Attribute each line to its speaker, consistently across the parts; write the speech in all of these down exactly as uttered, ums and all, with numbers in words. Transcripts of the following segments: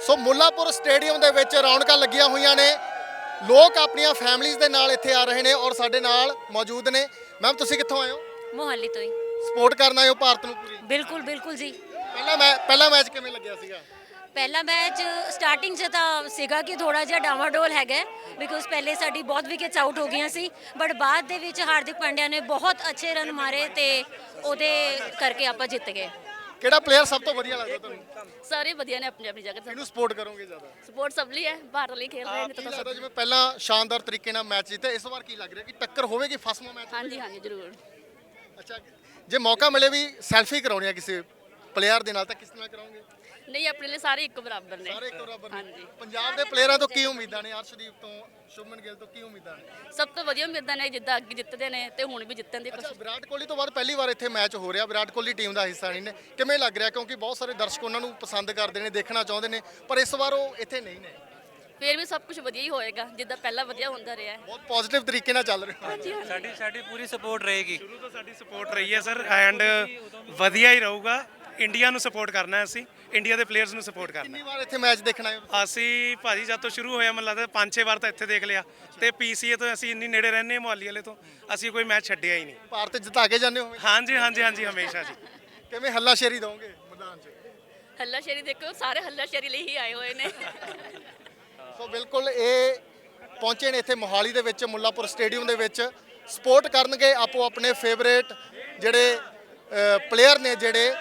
Speaker 1: ਸੋ Mullapur stadium ਦੇ ਵਿੱਚ ਰੌਣਕਾਂ ਲੱਗੀਆਂ ਹੋਈਆਂ ਨੇ। ਲੋਕ ਆਪਣੀਆਂ ਫੈਮਲੀਆਂ ਦੇ ਨਾਲ ਇੱਥੇ ਆ ਰਹੇ ਨੇ ਔਰ ਸਾਡੇ ਨਾਲ ਮੌਜੂਦ ਨੇ। ਮੈਮ ਤੁਸੀਂ ਕਿੱਥੋਂ ਆਏ ਹੋ?
Speaker 2: ਮੋਹਾਲੀ ਤੋਂ ਹੀ।
Speaker 1: ਸਪੋਰਟ ਕਰਨ ਆਏ ਹੋ ਭਾਰਤ ਨੂੰ ਪੂਰੀ?
Speaker 2: ਬਿਲਕੁਲ ਬਿਲकुल ਜੀ।
Speaker 1: ਪਹਿਲਾ ਮੈਂ ਪਹਿਲਾ ਮੈਚ ਕਿਵੇਂ ਲੱਗਿਆ ਸੀਗਾ?
Speaker 2: ਪਹਿਲਾ ਮੈਚ ਸਟਾਰਟਿੰਗ 'ਚ ਤਾਂ ਸੀਗਾ ਕਿ ਥੋੜਾ ਜਿਹਾ ਡਾਵਾਡੋਲ ਹੈਗਾ ਬਿਕੋਜ਼ ਪਹਿਲੇ ਸਾਡੀ ਬਹੁਤ ਵਿਕਟਸ ਆਊਟ ਹੋ ਗਈਆਂ ਸੀ, ਬਟ ਬਾਅਦ ਦੇ ਵਿੱਚ ਹਾਰਦਿਕ ਪਾਂਡਿਆ ਨੇ ਬਹੁਤ ਅੱਛੇ ਰਨ ਮਾਰੇ ਤੇ ਉਹਦੇ ਕਰਕੇ ਆਪਾਂ ਜਿੱਤ ਗਏ।
Speaker 1: ਕਿਹੜਾ ਪਲੇਅਰ ਸਭ ਤੋਂ ਵਧੀਆ ਲੱਗਦਾ ਤੁਹਾਨੂੰ?
Speaker 3: ਸਾਰੇ ਵਧੀਆ ਨੇ ਆਪਣੀ ਆਪਣੀ ਜਗ੍ਹਾ ਤੇ।
Speaker 1: ਕਿਹਨੂੰ ਸਪੋਰਟ ਕਰੋਗੇ ਜ਼ਿਆਦਾ?
Speaker 3: ਸਪੋਰਟ ਸਭ ਲਈ ਹੈ, ਭਾਰਤ ਲਈ ਖੇਡ ਰਹੇ ਨੇ
Speaker 1: ਕੀ
Speaker 3: ਤਾਂ
Speaker 1: ਲੱਗਦਾ
Speaker 3: ਸਭ।
Speaker 1: ਜਿਵੇਂ ਪਹਿਲਾਂ ਸ਼ਾਨਦਾਰ ਤਰੀਕੇ ਨਾਲ ਮੈਚ ਜਿੱਤੇ, ਇਸ ਵਾਰ ਕੀ ਲੱਗ ਰਿਹਾ ਕਿ ਟੱਕਰ ਹੋਵੇਗੀ, ਫਸਵਾ ਮੈਚ?
Speaker 3: ਹਾਂਜੀ ਹਾਂਜੀ ਜ਼ਰੂਰ।
Speaker 1: ਅੱਛਾ, ਜੇ ਮੌਕਾ ਮਿਲੇ ਵੀ ਸੈਲਫੀ ਕਰਾਉਣੀ ਹੈ ਕਿਸੇ ਪਲੇਅਰ ਦੇ ਨਾਲ ਤਾਂ ਕਿਸ ਨਾਲ ਕਰਾਉਂਗੇ?
Speaker 3: ਨਹੀਂ, ਆਪਣੇ ਲਈ ਸਾਰੇ ਇੱਕ ਬਰਾਬਰ ਨੇ।
Speaker 1: ਸਾਰੇ ਇੱਕ ਬਰਾਬਰ ਨੇ।
Speaker 3: ਹਾਂਜੀ।
Speaker 1: ਪੰਜਾਬ ਦੇ ਪਲੇਅਰਾਂ ਤੋਂ ਕੀ ਉਮੀਦਾਂ ਨੇ? ਅਰਸ਼ਦੀਪ ਤੋਂ, ਸ਼ੁਭਮਨ ਗਿੱਲ ਤੋਂ ਕੀ ਉਮੀਦਾਂ ਨੇ?
Speaker 3: ਸਭ ਤੋਂ ਵਧੀਆ ਉਮੀਦਾਂ ਨੇ ਜਿੱਦਾਂ ਅੱਗੇ ਜਿੱਤਦੇ ਨੇ ਤੇ ਹੁਣ ਵੀ ਜਿੱਤਣ ਦੀ
Speaker 1: ਅੱਛਾ,
Speaker 3: ਕੋਸ਼ਿਸ਼।
Speaker 1: ਵਿਰਾਟ ਕੋਹਲੀ ਤੋਂ ਬਾਅਦ ਪਹਿਲੀ ਵਾਰ ਇੱਥੇ ਮੈਚ ਹੋ ਰਿਹਾ, ਵਿਰਾਟ ਕੋਹਲੀ ਟੀਮ ਦਾ ਹਿੱਸਾ ਨਹੀਂ ਨੇ, ਕਿਵੇਂ ਲੱਗ ਰਿਹਾ? ਕਿਉਂਕਿ ਬਹੁਤ ਸਾਰੇ ਦਰਸ਼ਕ ਉਹਨਾਂ ਨੂੰ ਪਸੰਦ ਕਰਦੇ ਨੇ, ਦੇਖਣਾ ਚਾਹੁੰਦੇ ਨੇ, ਪਰ ਇਸ ਵਾਰ ਉਹ ਇੱਥੇ ਨਹੀਂ ਨੇ।
Speaker 3: ਫਿਰ ਵੀ ਸਭ ਕੁਝ ਵਧੀਆ ਹੀ ਹੋਏਗਾ ਜਿੱਦਾਂ ਪਹਿਲਾਂ ਵਧੀਆ ਹੁੰਦਾ ਰਿਹਾ ਹੈ।
Speaker 1: ਬਹੁਤ ਪੋਜ਼ਿਟਿਵ ਤਰੀਕੇ ਨਾਲ ਚੱਲ ਰਿਹਾ।
Speaker 3: ਹਾਂਜੀ ਹਾਂਜੀ।
Speaker 4: ਸਾਡੀ ਸਾਡੀ ਪੂਰੀ ਸਪੋਰਟ ਰਹੇਗੀ। ਸ਼ੁਰੂ ਤੋਂ ਸਾਡੀ ਸਪੋਰਟ ਰਹੀ ਹੈ ਸਰ, ਐਂਡ ਵਧੀਆ ਹੀ ਰਹੂਗਾ। ਇੰਡੀਆ ਨੂੰ ਸਪੋਰਟ ਕਰਨਾ ਹੈ, ਅਸੀਂ ਇੰਡੀਆ ਦੇ ਪਲੇਅਰਸ ਨੂੰ ਸਪੋਰਟ ਕਰਨਾ
Speaker 1: ਕਿੰਨੀ ਵਾਰ ਇੱਥੇ ਮੈਚ ਦੇਖਣਾ ਹੈ?
Speaker 4: ਹੈ। ਅਸੀਂ ਭਾਜੀ ਜਦ ਤੋਂ ਸ਼ੁਰੂ ਹੋਇਆ ਮੈਨੂੰ ਲੱਗਦਾ ਪੰਜ ਛੇ ਵਾਰ ਤਾਂ ਇੱਥੇ ਦੇਖ ਲਿਆ, ਤੇ ਪੀਸੀਏ ਤੋਂ ਅਸੀਂ ਇੰਨੀ ਨੇੜੇ ਰਹਿੰਦੇ ਹਾਂ ਮੁਹਾਲੀ ਵਾਲੇ ਤੋਂ, ਅਸੀਂ ਕੋਈ ਮੈਚ ਛੱਡਿਆ ਹੀ ਨਹੀਂ।
Speaker 1: ਭਾਰਤ ਜਿਤਾ ਕੇ ਜਾਂਦੇ ਹੋ?
Speaker 4: ਹਾਂਜੀ ਹਾਂਜੀ ਹਾਂਜੀ ਹਮੇਸ਼ਾ ਜੀ।
Speaker 1: ਕਿਵੇਂ ਹੱਲਾਸ਼ੇਰੀ ਦੋਗੇ ਮੈਦਾਨ 'ਚ?
Speaker 3: ਹੱਲਾ ਸ਼ੇਰੀ ਦੇਖੋ, ਸਾਰੇ ਹੱਲਾ ਸ਼ੇਰੀ ਲਈ ਹੀ ਆਏ ਹੋਏ ਨੇ।
Speaker 1: ਸੋ ਬਿਲਕੁਲ ਇਹ ਪਹੁੰਚੇ ਨੇ ਇੱਥੇ ਮੋਹਾਲੀ ਦੇ ਵਿੱਚ ਮੁੱਲਾਪੁਰ ਸਟੇਡੀਅਮ ਦੇ ਵਿੱਚ, ਸਪੋਰਟ ਕਰਨਗੇ ਆਪੋ ਆਪਣੇ ਫੇਵਰੇਟ ਜਿਹੜੇ ਪਲੇਅਰ ਨੇ ਜਿਹੜੇ।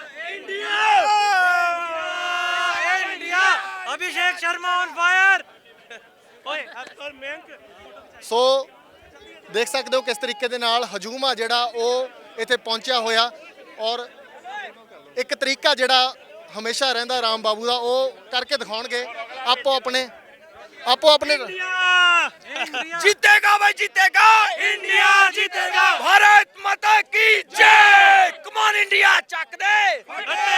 Speaker 4: Abhishek Sharma on fire. ਓਏ ਅਕਰ ਮੈਂਕ।
Speaker 1: ਸੋ ਦੇਖ ਸਕਦੇ ਹੋ ਕਿਸ ਤਰੀਕੇ ਦੇ ਨਾਲ ਹਜੂਮ ਆ ਜਿਹੜਾ ਉਹ ਇੱਥੇ ਪਹੁੰਚਿਆ ਹੋਇਆ, ਔਰ ਇੱਕ ਤਰੀਕਾ ਜਿਹੜਾ ਹਮੇਸ਼ਾ ਰਹਿੰਦਾ ਰਾਮ ਬਾਬੂ ਦਾ, ਉਹ ਕਰਕੇ ਦਿਖਾਉਣਗੇ ਆਪੋ ਆਪਣੇ ਆਪੋ ਆਪਣੇ।
Speaker 5: जीतेगा भाई जीतेगा, इंडिया जीतेगा, भारत माता की जय। कमान इंडिया, चक दे।